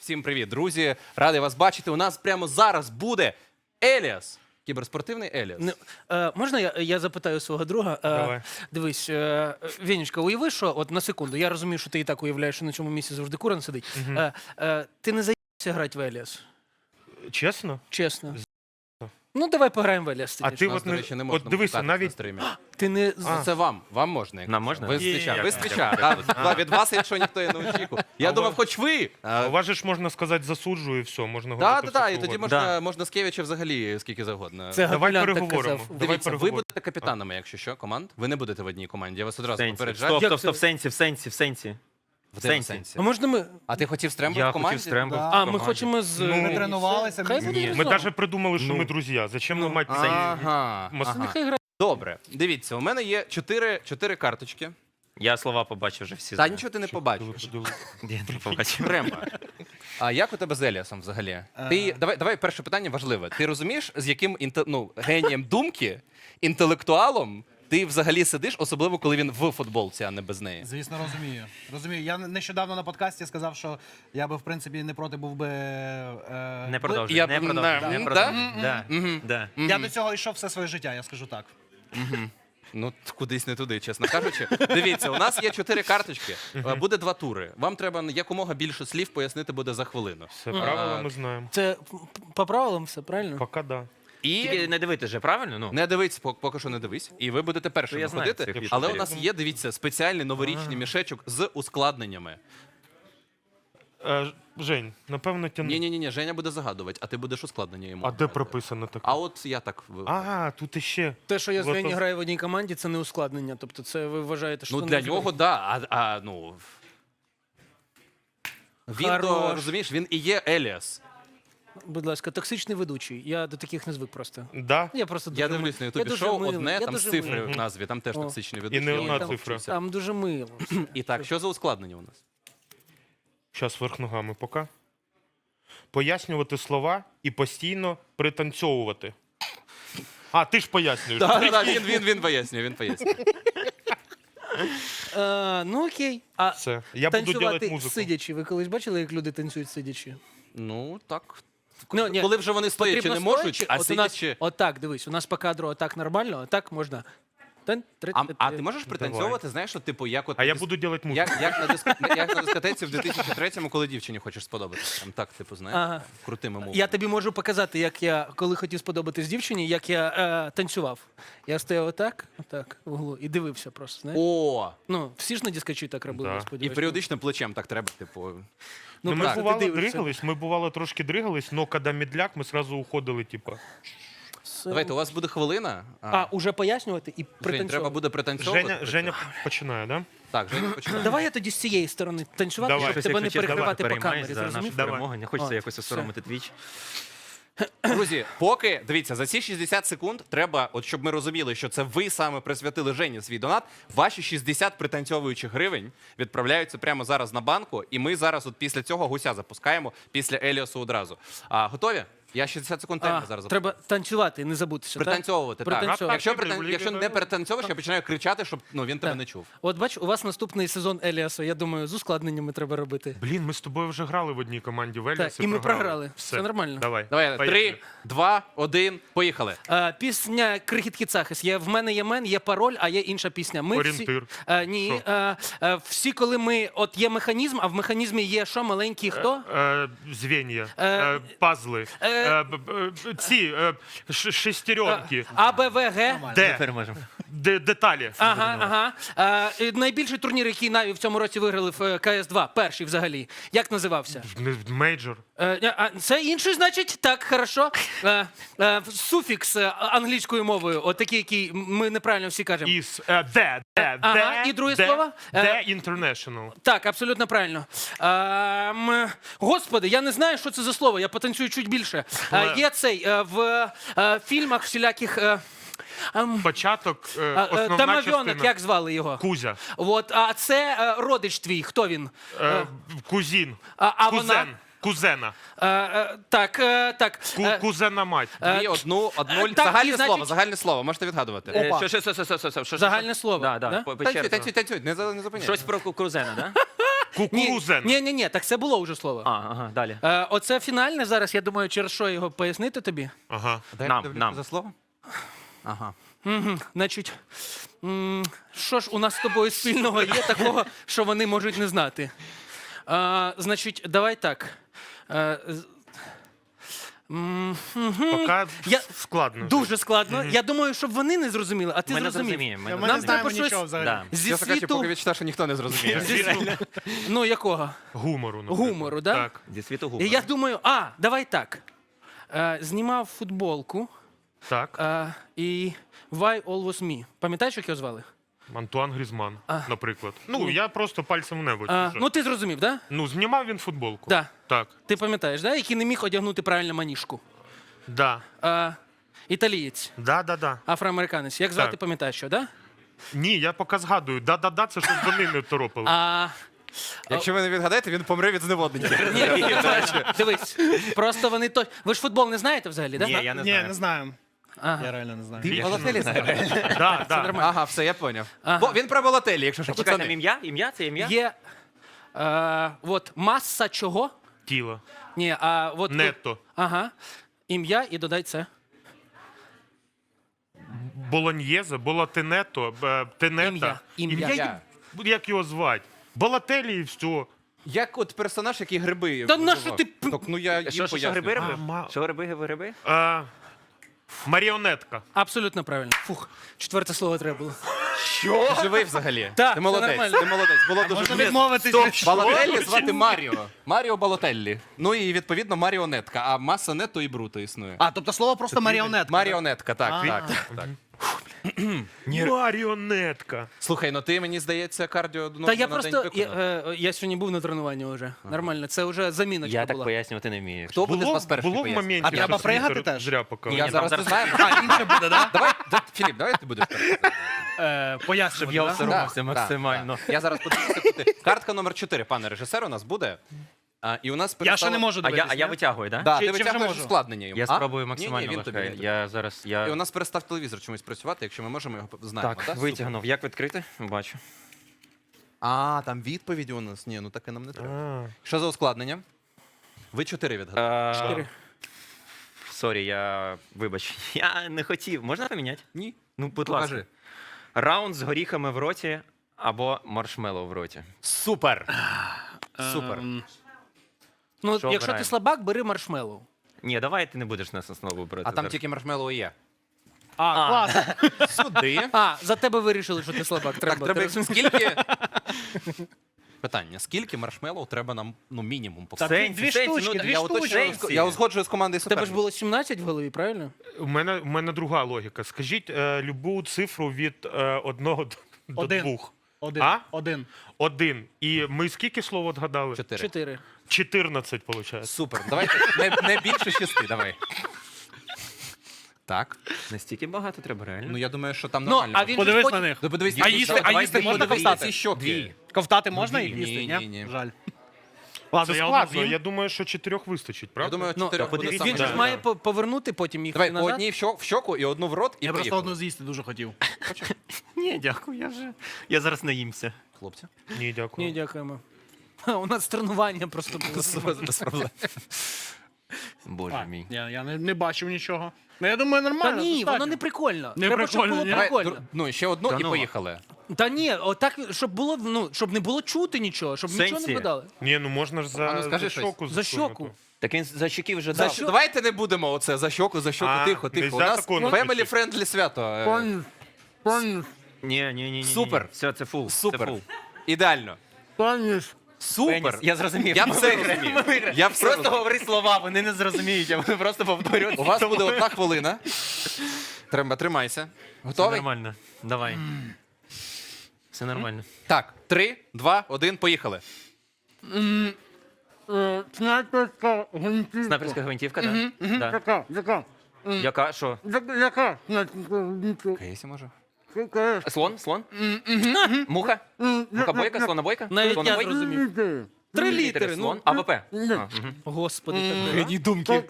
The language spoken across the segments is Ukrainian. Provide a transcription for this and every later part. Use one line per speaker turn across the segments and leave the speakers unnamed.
Всім привіт, друзі! Радий вас бачити. У нас прямо зараз буде Еліас. Кіберспортивний Еліас.
Можна я запитаю свого друга?
Давай.
Дивись, Венечка, уяви, що от на секунду, я розумію, що ти і так уявляєш, що на цьому місці завжди Куран сидить. Ти не заїбався грати в Еліас?
Чесно?
Чесно. Ну, давай пограємо в Еліас.
А ти
Нас,
от
до речі, не можна
дивися,
показати на
навіть
стрімі.
Ти не...
Це вам можна.
Нам можна?
Ви з Твіча.
Є.
Ви з Твіча. Так, від вас, якщо ніхто і не очікував. Я
А
думав,
у
хоч ви.
у вас же ж можна сказати засуджую і все, можна говорити.
Так,
все
і тоді
завгодно.
можна з Кевіча взагалі скільки завгодно.
Це
Давай
Габілян так
переговоримо.
казав.
Давай
Дивіться, ви
переговоримо.
будете капітанами, якщо що, команд. Ви не будете в одній команді. Я вас одразу
Сенсі.
попереджаю.
Стоп, в сенсі.
В тебе
сенсі.
А можна ми...
А ти хотів Стрембо в
Я
команді?
хотів Стрембо.
А, ми хочемо з...
Ну,
Ми тренувалися.
Хай
Ні.
буде
Ми
Ярослав.
навіть придумали, що ми друзі. Зачем нам мати
Ага.
Мас-
Нехай грає.
Добре, дивіться, у мене є чотири карточки.
Я слова побачив вже всі.
Та
знаю.
нічого ти не побачиш.
Я не побачив.
Треба. А як у тебе з Еліасом взагалі? Давай перше питання важливе. Ти розумієш, з яким генієм думки, інтелектуалом ти взагалі сидиш, особливо коли він в футболці, а не без неї?
Звісно, розумію. Розумію. Я нещодавно на подкасті сказав, що я би, в принципі, не проти був би...
Не продовжуй,
Я-
не продовжуй,
Да?
не продовжуй. Да, да.
Я до цього йшов все своє життя, я скажу так.
Ну, кудись не туди, чесно кажучи. Дивіться, у нас є 4 карточки. Буде 2 тури. Вам треба якомога більше слів пояснити буде за хвилину.
Все правило ми знаємо.
Це по правилам все, правильно?
Поки да.
Тільки
І
не дивити же, правильно? Ну.
не дивись, поки що не дивись. І ви будете першими
Я знаю
ходити.
цих
Але у
літерів.
нас є, дивіться, спеціальний новорічний мішечок з ускладненнями.
Жень, напевно, тяни.
Ні, Женя буде загадувати, а ти будеш ускладнення йому.
А де прописано таке?
А от я так.
А, тут іще.
Те, що я з
Злото-
Вені граю в одній команді, це не ускладнення. Тобто це ви вважаєте, що
Ну
це
для
не
нього, да. Ну. Він то,
Хорош.
розумієш, він і є Еліас.
Будь ласка, токсичний ведучий. Я до таких не звик просто.
Да?
Я просто
Я
дуже
дивлюсь на
я
Ютубі
дуже
шоу,
милий,
одне
я
там з
дуже
цифри
милий.
в назві, там теж
О.
токсичний ведучий.
не
я
одна
там
цифра.
вчуся.
Там дуже мило.
І так, що за ускладнення у нас?
Щас верх ногами, поки. Пояснювати слова і постійно пританцьовувати. А, ти ж пояснюєш.
Він пояснює.
Ну окей. А
Все. Я буду робити
танцювати
музику.
сидячи. Ви колись бачили, як люди танцюють сидячи?
Ну, так.
Ну, ні,
Коли вже вони стоячи
потрібно
не можуть,
стоячи,
а
от у нас,
сидячи...
отак, дивись, у нас по кадру отак нормально, отак можна.
А ти можеш пританцьовувати, знаєш, от, типу, як от...
А я буду робити музику.
Як на дискотеці в 2003-му, коли дівчині хочеш сподобатися. Там так, типу, знаєш,
Ага.
крутими мовами.
Я тобі можу показати, як я, коли хотів сподобатись дівчині, як я танцював. Я стояв отак в углу і дивився просто, знаєш.
О!
Ну, всі ж на дискочі так робили,
Да.
я
І
сподіваюся.
періодично плечем так треба, типу...
Ну, ми
так, ти
бувало
дивишся.
трошки дригались, но коли медляк, ми сразу уходили, типа.
Давайте, у вас буде хвилина.
А, уже пояснювати і
Жень,
пританцьовувати.
треба буде пританцьовувати.
Женя починає, да?
Так, Женя починає.
Давай я тоді з цієї сторони танцювати,
Давай.
щоб
Щось,
тебе не
якщо чесно,
перекривати по
переймаюсь
камері,
за нашу
зрозумів?
перемогу. Не хочеться
О,
якось осоромити твіч.
Друзі, поки, дивіться, за ці 60 секунд треба, от щоб ми розуміли, що це ви саме присвятили Жені свій донат, ваші 60 пританцьовуючих гривень відправляються прямо зараз на банку, і ми зараз от після цього гуся запускаємо, після Еліосу одразу. Готові? Я 60 секунд таймер зараз запускаю.
Треба танцювати, не забутися. так?
Пританцьовувати, так.
Пританцьовувати.
Якщо не перетанцьовуєш, я починаю кричати, щоб він тебе
Так.
не чув.
От бач, у вас наступний сезон Еліаса, я думаю, з ускладненнями треба робити.
Блін, ми з тобою вже грали в одній команді в
Так,
Еліс
і ми програли. Все нормально.
Давай.
Давай,
Поїхали.
3, 2, 1, поїхали.
Пісня Крихіт Кіцахис. Є в мене є мен, є пароль, а є інша пісня. Ми
Орієнтир.
Всі, ні, всі, коли ми от є механізм, а в механізмі є що маленький хто?
Звенья,
Е,
пазли, ці шестеренки,
А, Б, В, Г.
Тепер можемо.
деталі.
Ага. Найбільший турнір, який Наві в цьому році виграли в КС-2, перший взагалі. Як називався?
Мейджор.
Це інший, значить? Так, хорошо. Суфікс англійською мовою, от такий, який ми неправильно всі кажемо.
Із
Ага, і друге слово?
Де International.
Так, абсолютно правильно. Господи, я не знаю, що це за слово, я потанцюю чуть більше. Є цей в фільмах всіляких...
Початок, основна
Тамавьонок,
частина.
як звали його?
Кузя.
От, а це родич твій, хто він?
Кузін.
А
Кузен.
вона?
Кузена.
Так.
Кузена мать.
Дві, одну.
так,
Загальне
і,
слово,
значить-
загальне слово, можете відгадувати.
Опа.
Що?
Загальне слово,
Да,
да?
по черзі.
Танцюй, не зупиняй.
Щось про Крузена, да?
Кукурузен.
Ні, так це було вже слово.
Ага, далі.
Оце фінальне зараз, я думаю, через що його пояснити тобі.
Ага.
Дай
Нам,
я подивлюся
нам.
за слово. Ага.
Значить, що ж у нас з тобою спільного є такого, що вони можуть не знати? Значить, давай так.
Поки
Я-
складно.
Дуже складно. Я думаю, щоб вони не зрозуміли, а ти
Ми не
зрозумів.
зрозуміємо.
Ми
Нам
не
треба
знаємо
щось-
нічого взагалі.
Да.
Зі
Чесно кажучи,
світу...
поки відчуття, що ніхто не зрозуміє.
Ну, якого?
Гумору, наприклад.
Гумору, да?
Так.
Зі світу
І
гумору.
я думаю, давай так. Знімав футболку
Так.
і Why Always Me. Пам'ятаєш, як його звали?
Антуан Грізман, наприклад. Ну, я просто пальцем в небо. чужу.
Ну, ти зрозумів, да?
Ну, знімав він футболку.
Да.
Так.
Ти пам'ятаєш, да? Який не міг одягнути правильно маніжку.
Да.
Італієць,
Да.
афроамериканець. Як звати,
Так.
пам'ятаєш, що, да?
Ні, я поки згадую. Да, це щось вони не торопили.
Якщо ви не відгадаєте, він помре від зневоднення.
Ні, дивись. Просто вони то. Ви ж футбол не знаєте взагалі, да?
Ні, я не
Ні,
знаю.
не знаємо.
Ага.
Я реально не знаю.
Я
Балотелі знає.
Да.
Ага, все, я поняв.
Ага.
Бо він про Балотелі, якщо що,
Чекай, там
пацани.
ім'я? Ім'я? Це ім'я?
Є от маса чого?
Тіло.
Ні, от
Нетто.
Ага. Ім'я і додай це.
Болоньєзе, Болотенето, Тенета.
Ім'я.
Як його звати? Балателі і все.
Як от персонаж, який гриби.
Та на
вживав.
що ти
Так, ну я їм
Що
пояснюю.
гриби
А,
робив? Що гриби?
Маріонетка.
Абсолютно правильно. Фух, четверте слово треба було.
Ти живий взагалі?
Так,
Ти молодець,
все нормально.
ти молодець. Було дуже
Можна
близько.
відмовитись.
Балотеллі звати Маріо. Маріо Балотеллі. Ну і відповідно Маріонетка. А маса нето і бруто існує.
Тобто слово просто маріонетка.
Маріонетка, так.
Маріонетка.
Слухай, ну ти, мені здається, кардіо
Та я
на день
просто.
виконав.
Я сьогодні був на тренуванні вже. Нормально, це вже заміночка
Я так
була.
пояснювати не вмію.
Хто буде з вас перший
Було в
пояснювати?
моменті,
А треба
що
пригати
Світер
теж?
зря поки.
Ні,
Я
ні,
зараз
нам
не
зараз-
знаю.
Інше буде, да?
Давай, Філіп, давай ти будеш перший.
Пояснювати,
Я
да?
осоромився
Так,
максимально.
так. Я зараз подивлюся. Картка номер 4, пане режисер, у нас буде. І у нас
Я ще не
перестало-
можу
А
дивитися.
я витягую, так?
Да,
Чи-
ти
чи вже
витягуєш
можу?
ускладнення йому.
Я
А?
спробую
Ні,
максимально.
він тобі.
Вахай. Я зараз.
І у нас перестав телевізор чомусь працювати, якщо ми можемо його знаємо.
Так,
так?
витягнув. Як відкрити? Бачу.
Там відповіді у нас. Ні, ну таке нам не треба. Що за ускладнення? Ви 4 відгадали.
Чотири.
Сорі, вибач. Я не хотів. Можна поміняти?
Ні.
Ну, будь
Покажи.
ласка. Раунд з горіхами в роті або маршмеллоу в роті.
Супер. Супер.
Ну,
Що
якщо ти
обираємо?
слабак, бери маршмеллоу.
Ні, давай ти не будеш нас основу брати.
А там тільки маршмеллоу є.
Клас.
Сюди.
За тебе вирішили, що ти слабак.
Так,
Треба.
треба
Ти розумієш?
скільки. Питання: скільки маршмеллоу треба нам мінімум
Та
поставити?
дві штучки, дві
Я
штучки.
уточнюю, я узгоджую з командою
У тебе ж
суперників.
було 17 в голові, правильно?
У мене друга логіка. Скажіть любу цифру від 1 до
Один.
2.
Один.
А?
Один.
1. І ми скільки слов отгадали?
4.
4.
14, виходить.
Супер. Давайте не більше 6, давай. Так.
Настільки багато треба, реально.
Ну я думаю, що там
Ну,
нормально.
а він же
Подивись
потім-
на них.
Ну, подивись,
А їсти можна ковтати?
ці щоки.
Дві.
Ковтати можна їх
Ні,
їсти?
ні, ні.
Жаль.
Це
Ладно, я
складно.
одну
Я думаю, що 4 вистачить,
Я
правда?
думаю,
Ну,
4
та
буде
подивіться,
саме.
Він же ж
Да.
має повернути потім їх
Давай, по
назад.
одній в щоку і одну в рот, і
просто
поїхали.
одну з'їсти дуже хотів.
Ні, дякую, я зараз наїмся.
Хлопці.
Ні, дякую.
Ні, дякуємо. У нас тренування просто було.
Без проблем.
Боже мій.
Я не бачив нічого. Ну, я думаю,
Та
нормально.
ні,
достатньо.
воно не прикольно.
Не
Треба, щоб
прикольно,
було
ні?
Давай,
прикольно.
ну, ще одну
Та
і
ну.
поїхали.
Та ні, отак, щоб було, щоб не було чути нічого, щоб нічого
Сенсі?
не вгадали.
Ні, ну можна ж
А ну,
за
скажи щось.
щоку.
За
засунути.
щоку.
Так він за щеків вже
За
дав.
що? Давайте не будемо оце за щоку,
А,
тихо, тихо. У
нельзя
нас
такого
family
написати.
friendly свято.
Ні.
Супер.
Все, це фул.
Супер.
Це фул.
Ідеально. Супер.
Пеніс. Я зрозумів.
Я все розумію. Я все
Просто
розумію.
говори слова, вони не зрозуміють, а вони просто повторюють.
У вас буде 1 хвилина. Тримайся.
Все
Готовий?
нормально. Давай. Все нормально.
Так, 3, 2, 1, поїхали.
Снайперська гвинтівка.
Снайперська гвинтівка, так? Да.
Яка?
Яка? Що?
Яка снайперська гвинтівка?
Кейсі може?
Слон? Слон? Муха? Мухобойка? Слонобойка?
Навіть я
Слонобойка?
зрозумів. 3 літери, ну.
Слон? АВП? А, мгм.
Господи, так.
думки.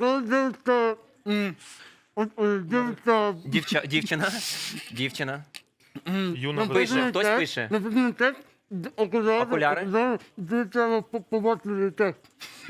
Дівчина? Дівчина?
Юна
Пише, хтось пише. Окуляри?
Побачили текст.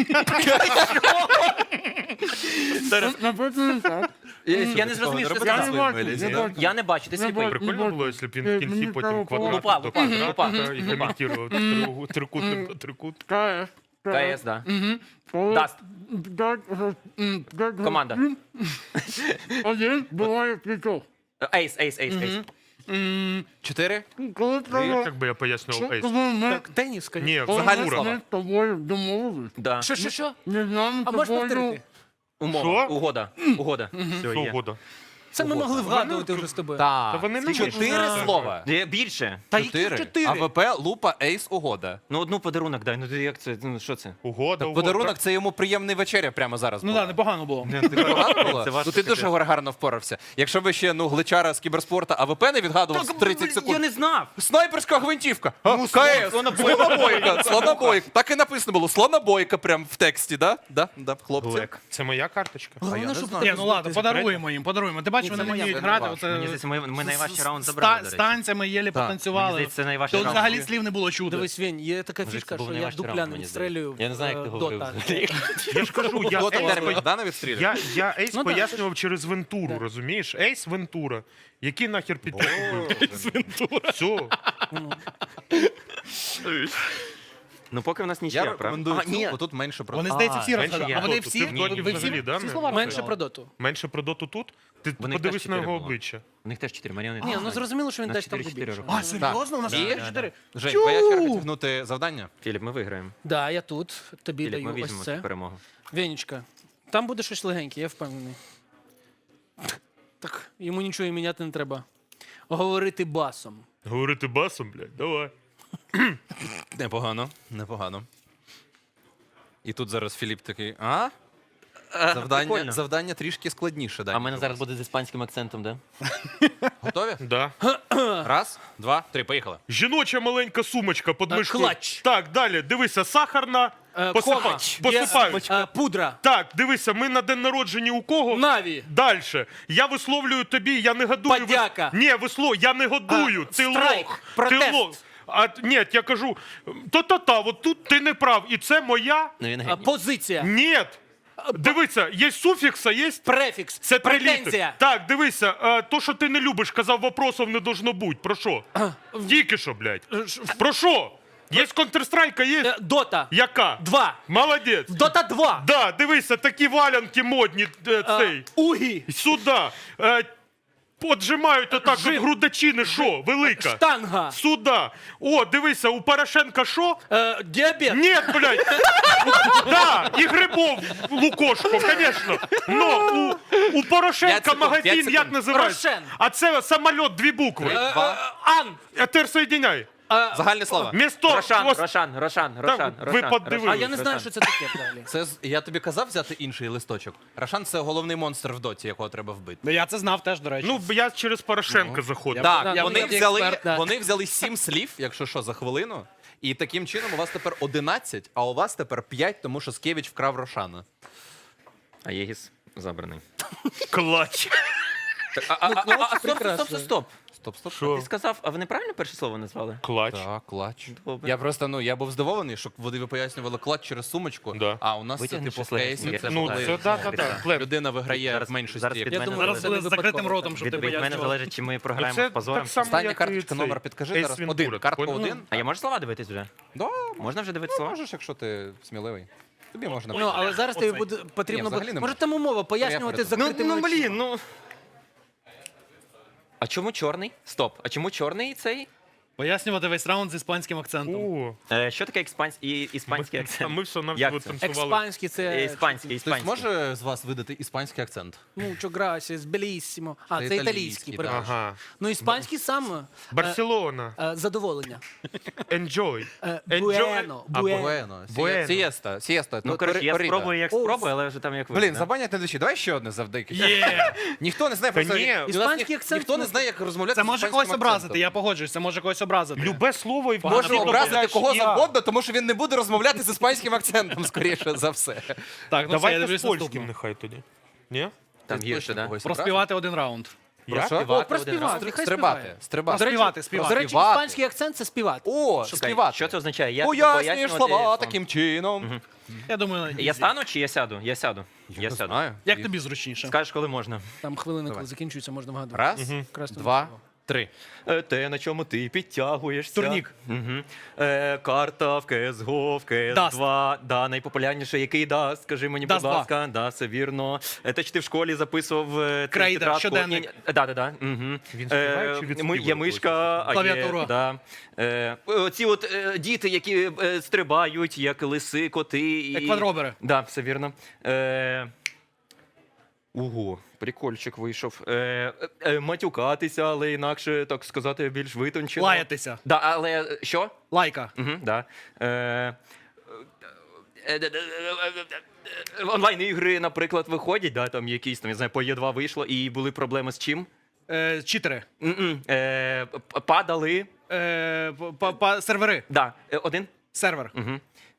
Написано так.
Я не зрозумів, що
Я
це.
не бачу, не бачу.
Я не бачу, ти
Не
сліпий.
бачу.
Прикольно було, якщо б він в кінці потім
Лупа,
квадрат до
лупа, лупа.
квадрата і коментував трикутник до трикутника.
КС.
КС, да.
Коли
Даст.
дать
Команда.
Один буває п'ятьох.
Ейс, ейс, ейс, ейс.
4?
Коли треба...
Як би я пояснював ейс?
Коли ми...
Так, теніс, конечно.
Ні,
Загальне
фігура.
слово.
Ми з тобою домовились.
Да.
Що?
Не знаю,
А можеш
тобою...
повторити?
Умова.
Що?
Угода. Угода. Все,
Що
є.
угода.
Це ми могли вгадувати вже з тобою.
Та
Так.
вони не
4
можуть.
слова.
Більше.
Та які
4.
4?
АВП, лупа, ейс, угода.
Ну, одну подарунок дай. Ну, ти як це? Ну, що це?
Угода,
Так подарунок це йому приємний вечеря прямо зараз.
Ну
була.
так, непогано було.
Погано було?
Це важко
Ну ти дуже
таке.
гарно впорався. Якщо ви ще гличара з кіберспорту АВП не відгадував з 30 секунд.
Я не знав.
Снайперська гвинтівка. КС. Слонобойка. Слонобойка. Так і написано було. Слонобойка прям в тексті, да? Да, хлопці.
Блек.
Це моя карточка.
Головне,
не
щоб
знаю.
Ні, ну ладно, подаруємо їм, подаруємо. Ти бачиш,
Ні,
вони
це
не
моя,
вміють
це не
грати.
ваш.
Оце
Мені здається, ми найважчий раунд
з
забрали, до речі.
танцями єлі
Мені
потанцювали.
здається, це найважчий
Тут
раунд.
взагалі слів не було чути.
Дивись, Вень, є така
Може,
фішка,
це був
що я
найважчий раунд,
дупляне
мені
відстрелюю.
Я не знаю, як ти говорив.
Дота.
Я ж кажу, я
Дота
ейс,
Богдана відстрілює.
я ейс
Ну, да,
пояснював через Вентуру, розумієш? Ейс Вентура. Який нахер підтягує? Ейс Вентура. Все.
Ну, поки в нас
Я
нічия, правда?
рекомендую
А, ні.
цю, бо тут менше про.
Вони, здається, всі
менше
розгадали.
є.
А вони
Доту.
всі,
Ти в Доті
ви
взагалі, да,
всі
не-
слова
Менше
розгадали?
про доту.
Менше про доту тут? Ти
Вони
подивись
теж
на
4
його
було.
обличчя.
У них теж 4 маріони.
Ні, ну зрозуміло, що він
На
дасть там
4-4
побільше.
роки.
А, серйозно? У нас
І-
4?
Жень, твоя черга тягнути завдання.
Філіп, ми виграємо.
Да, я тут. Тобі
Філіп, ми
даю ось
візьмемо
це.
цю перемогу.
Венечка, там буде щось легеньке, я впевнений. Так, йому нічого і міняти не треба. Говорити басом.
Говорити басом, блядь, давай.
Непогано, непогано. І тут зараз Філіп такий,
Прикольно.
Завдання трішки складніше.
А в мене зараз буде з іспанським акцентом, да?
Готові?
Да.
Раз, два, три, поїхали.
Жіноча маленька сумочка під мишкою.
клач.
Так, далі, дивися, сахарна.
Кома.
Посипають.
Пудра.
Так, дивися, ми на день народження у кого?
Наві.
Дальше. Я висловлюю тобі, я не годую.
Подяка.
Ні, я не годую. Ти
страйк.
лох.
Протест.
Ти лох. А ні, я кажу, та-та-та, от тут ти не прав. І це моя.
Ну, він геній.
Позиція.
Ні. Дивися, є суфікс, а є.
Префікс.
Це
Претензія.
приліти. Так, дивися, то, що ти не любиш, казав, вопросов не должно бути. Про що? Тільки що, блядь. Про що? Є Counter-Strike, є?
Дота.
Яка?
2.
Молодець.
Дота 2.
Да, дивися, такі валянки модні, цей.
Угі.
Сюда. Поджимають отак от грудачини, що? Велика.
Штанга.
Сюда. О, дивися, у Порошенка що?
Діабет.
Ні, блядь. Да, і грибов лукошко, звісно. Но у Порошенка
5 секунд, 5
магазин
секунд.
як називається?
Рошен.
А це самоліт, 2 букви.
Два.
Ан.
Тепер соєдиняй.
Загальне слово.
Місто.
Рошан.
ви подивились.
А я не знаю, що це таке взагалі.
Це я тобі казав взяти інший листочок. Рашан це головний монстр в доті, якого треба вбити.
Ну, я це знав теж, до речі.
Ну, я через Порошенка заходив.
Так,
я
вони
як
взяли,
експерт, да.
вони взяли 7 слів, якщо що, за хвилину. І таким чином у вас тепер 11, а у вас тепер 5, тому що Скевич вкрав Рошана.
А Єгіс забраний.
Клач.
Стоп.
Стоп.
Що?
Ти сказав, а ви неправильно перше слово назвали?
Клач.
Так, клач.
Добре.
Я просто, я був здивований, що ви пояснювали клач через сумочку,
Да.
а у нас це
Витягни
типу в
щось
кейсі.
легеньке.
Це
Ну,
коли
це так.
людина виграє
Зараз-
в меншості.
зараз
як
під
Я
мене
думаю,
Зараз
це
буде з закритим
випадково.
ротом, щоб ти
Від мене
пояснював.
залежить, чи ми програємо
Це
з позором.
так само,
Остання
як і
карточка,
цей.
номер підкажи
Ейс
зараз.
Вентура,
Один. Картка
понял?
1.
А я можу слова дивитись вже?
Да,
Можна вже дивитися слова?
можеш, якщо ти сміливий. Тобі можна.
Ну, але зараз тобі буде
Ні,
потрібно
взагалі
буде.
не
Може
можна.
там умова пояснювати з
Ну,
закритими очима.
А чому чорний? Стоп. А чому чорний цей?
Пояснювати весь раунд з іспанським акцентом.
О,
Що таке іспанський
а
акцент?
ми все
Як
навіть
це?
танцювали.
Експанський це.
Іспанський.
Хтось може з вас видати іспанський акцент?
Mucho gracias, bellissimo. А,
Це
це
італійський,
італійський,
да.
перепрошую.
Ага.
Ну, іспанський сам
Барселона.
задоволення.
Enjoy.
Буено, буено.
Буено.
Буено.
Сієста.
Ну, коротше, я спробую, як спробую, але вже там як
Блін, забанять не душі. Давай ще одне завдяки.
Є.
Ніхто не знає
Та
про
ні.
це.
Іспанський акцент,
Ніхто не
ну,
знає, як розмовляти.
Це
з
може
іспанським
когось образити,
акцентом.
я погоджуюсь, це може когось образити.
Любе слово і в
Може
голові
образити
додаєш
кого
«я».
завгодно, тому що він не буде розмовляти з іспанським акцентом, скоріше за все.
Так, ну все, я
Давайте
дивлюсь
з польським
наступну.
нехай тоді. Ні?
Там
Ти
гірше,
точно
да?
когось
Проспівати один раунд.
Про що?
О, про співати. Хай
Стрибати.
співає.
Стрибати.
До речі,
Співати.
До речі,
Співати.
іспанський акцент це співати.
О,
Чекай,
співати.
що це означає? Як
Пояснюєш
пояснювати
слова
вам?
таким чином.
Я думаю,
Я стану чи я сяду? Я сяду. Я сяду.
Знаю.
як тобі зручніше?
Скажеш, коли можна.
Там хвилини, коли закінчується, можна вгадувати.
Раз,
Красно.
два, три.
Те, на чому ти підтягуєшся.
Турнік.
Угу. Карта в CSGO, в CS2.
Даст.
Да, найпопулярніше, який даст? Скажи мені,
Даст
будь
2.
ласка. Да, все вірно. Те, чи ти в школі записував
Крейда,
тетрадку?
щоденник.
Да. Угу.
Він співає чи відспівує
Є мишка, а
Клавіатура.
є... Да. Оці от діти, які стрибають, як лиси, коти.
Як квадробери.
Да, все вірно. Ого, прикольчик вийшов. Матюкатися, але інакше, так сказати, більш витончено.
Лаятися.
Да, але що?
Лайка.
Угу, да. Онлайн-ігри, наприклад, виходять, да, там якісь, там, я знаю, по Є2 вийшло, і були проблеми з чим?
Читери.
Падали.
Сервери.
Да, один.
Сервер.
Угу.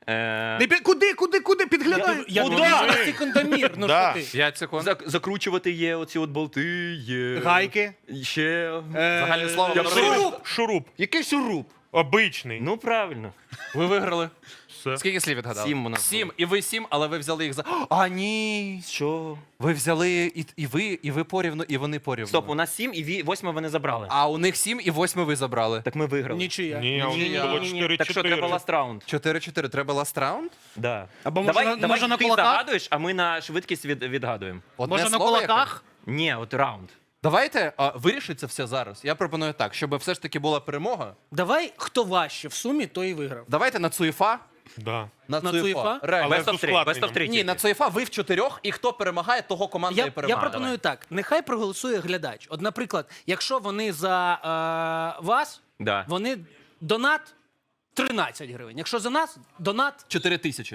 Куди підглядай?
Я
Куда?
думаю, що секундомір. Ну
Да.
що ти?
5 секунд.
Закручувати є оці от болти, є...
Гайки.
Ще...
Загальне слово.
Я
Шуруп.
Шуруп. Шуруп.
Який шуруп?
Обичний.
Ну, правильно.
Ви виграли.
Все.
Скільки слів відгадали?
7 у нас
7. І ви 7, але ви взяли їх за. А, ні.
Що?
Ви взяли і ви порівну, і вони порівну.
Стоп, у нас 7 і 8 вони забрали.
А у них 7 і 8 ви забрали.
Так ми виграли.
Нічия.
Ні, а у них було 4-4.
Так що треба ласт раунд.
4-4. Треба ласт раунд?
Да.
Або може на
ти
кулаках?
загадуєш, а ми на швидкість відгадуємо.
Одне
Може на
слово яке?
кулаках?
Ні, от раунд.
Давайте вирішить це все зараз. Я пропоную так, щоб все ж таки була перемога.
Давай, хто важче в сумі, той і виграв.
Давайте на Цуєфа.
Да.
На
На Цуєфа?
Реально.
Але
Best of
з
3.
ускладненням.
Best of 3.
Ні, на Цуєфа ви в 4, і хто перемагає, того команда і
Я
перемагає.
пропоную так: нехай проголосує глядач. От, наприклад, якщо вони за вас,
Да.
вони донат 13 гривень. Якщо за нас донат,
4 тисячі.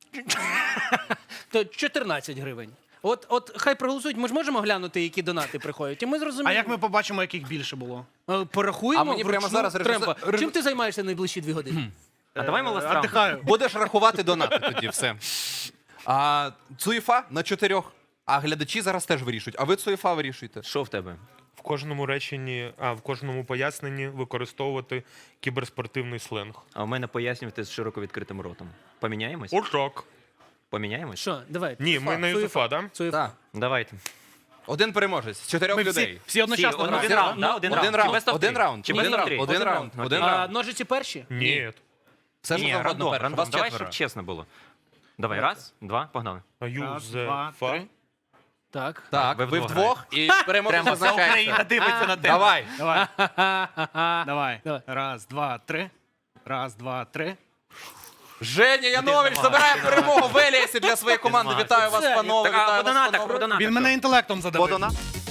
то 14 гривень. От хай проголосують. Ми ж можемо глянути, які донати приходять. І ми зрозуміємо.
А як ми побачимо, яких більше було?
Порахуємо.
А мені прямо
вручну.
зараз
Треба.
режисер-
Чим ти займаєшся найближчі 2 години?
А давай ми ласт раунд.
Отдихаю.
Будеш рахувати донати тоді, все. А Цуєфа на 4. А глядачі зараз теж вирішують. А ви Цуєфа вирішуєте.
Що в тебе?
В кожному реченні, в кожному поясненні використовувати кіберспортивний сленг.
А у мене пояснювати з широко відкритим ротом. Поміняємось?
Отак.
Поміняємось?
Що, давай.
Ні, ми на Юзефа, да?
Цуєфа.
Так.
Давайте.
Один переможець з 4
Ми
людей.
всі одночасно
Один
граємо.
раунд, да? Один раунд.
Один
Чи best of
Один
three?
раунд.
Чи
Один
best of
раунд.
three?
Один раунд. Один
А
раунд.
ножиці перші?
Ні.
Все
Ні,
що завгодно
рандом,
перше.
рандом.
Вас
Давай,
4.
щоб чесно було. Давай, раз, два, погнали.
А
Раз, два,
Юзефа.
три.
Так.
Так,
ви
ви
вдвох
вдвох і переможець
Прямо вся Україна
визначається.
дивиться на тебе.
Давай.
Давай. Давай.
Давай.
Раз, два, три. Раз, два, три.
Женя Янович забирає перемогу в Еліасі для своєї команди. Вітаю вас,
Це-
панове.
Так, а
Вітаю
по
вас,
донатах,
панове.
про донатах.
Він мене інтелектом
По
задавив.
донатах.